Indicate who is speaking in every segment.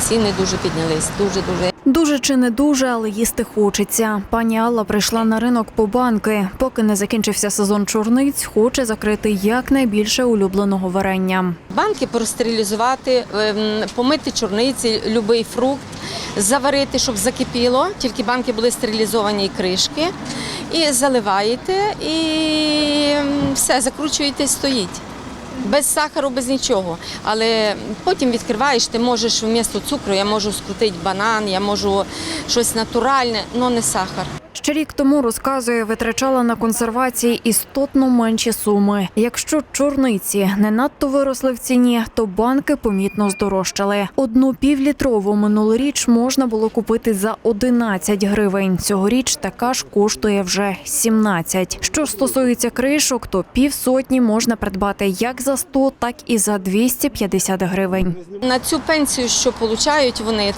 Speaker 1: ціни дуже піднялись, дуже-дуже.
Speaker 2: Дуже чи не дуже, але їсти хочеться. Пані Алла прийшла на ринок по банки. Поки не закінчився сезон чорниць, хоче закрити якнайбільше улюбленого варення.
Speaker 1: Банки простерилізувати, помити чорниці, будь-який фрукт, заварити, щоб закипіло. Тільки банки були стерилізовані і кришки. І заливаєте, і все, закручуєте, стоїть. Без сахару, без нічого. Але потім відкриваєш, ти можеш вмісто цукру, я можу скрутити банан, я можу щось натуральне, але не сахар.
Speaker 2: Ще рік тому, розказує, витрачала на консервації істотно менші суми. Якщо чорниці не надто виросли в ціні, то банки помітно здорожчали. Одну півлітрову минулоріч можна було купити за 11 гривень. Цьогоріч така ж коштує вже 17. Що ж стосується кришок, то півсотні можна придбати як за 100, так і за 250 гривень.
Speaker 1: На цю пенсію, що отримують вони,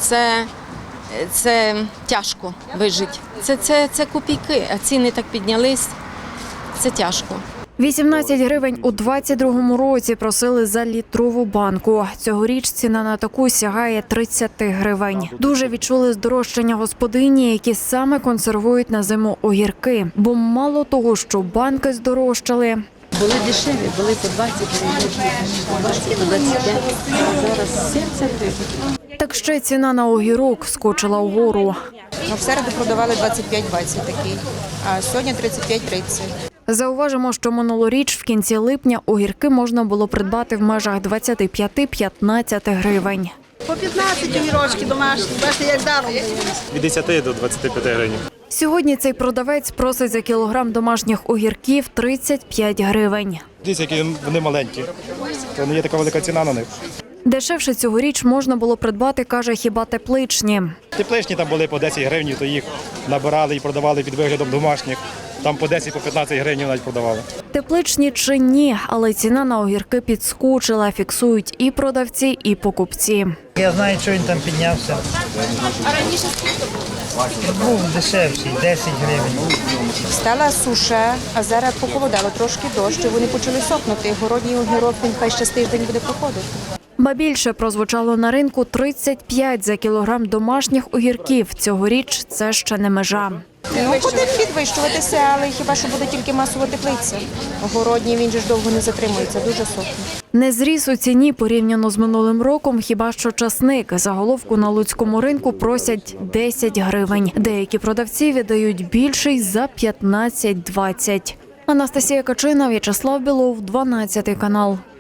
Speaker 1: це тяжко вижити. Це копійки, а ціни так піднялись, це тяжко.
Speaker 2: 18 гривень у 22-му році просили за літрову банку. Цьогоріч ціна на таку сягає 30 гривень. Дуже відчули здорожчання господині, які саме консервують на зиму огірки. Бо мало того, що банки здорожчали.
Speaker 3: Були дешеві, були по 20 гривень, по 20, по 25, а зараз 70 гривень.
Speaker 2: Так ще ціна на огірок скочила вгору.
Speaker 4: В середу продавали 25-20 такий, а сьогодні 35-30.
Speaker 2: Зауважимо, що минулоріч в кінці липня огірки можна було придбати в межах 25-15 гривень.
Speaker 5: По 15 огірочки домашні, бачите, як даром дають.
Speaker 6: Від 10 до 25 гривень.
Speaker 2: Сьогодні цей продавець просить за кілограм домашніх огірків 35 гривень.
Speaker 6: Дивіться, які вони маленькі. То не є така велика ціна на них.
Speaker 2: Дешевше цьогоріч можна було придбати, каже, хіба тепличні.
Speaker 6: Тепличні там були по 10 гривень, то їх набирали і продавали під виглядом домашніх. Там по 10, по 15 гривень навіть продавали.
Speaker 2: Тепличні чи ні, але ціна на огірки підскочила, фіксують і продавці, і покупці.
Speaker 7: Я знаю, що він там піднявся. А раніше був дешевший, 10 гривень.
Speaker 4: Стала суша, а зараз похолодало трошки дощ, і вони почали сохнути. Городній огірок, він хай ще з тиждень буде проходити.
Speaker 2: Ба більше прозвучало на ринку 35 за кілограм домашніх огірків. Цьогоріч це ще не межа.
Speaker 4: Буде підвищуватися, але хіба що буде тільки масова теплиця. Городній, він же ж довго не затримується, дуже сохне.
Speaker 2: Не зріс у ціні порівняно з минулим роком, хіба що часник. За головку на луцькому ринку просять 10 гривень. Деякі продавці віддають більший за 15-20. Анастасія Качина, В'ячеслав Білов, 12 канал.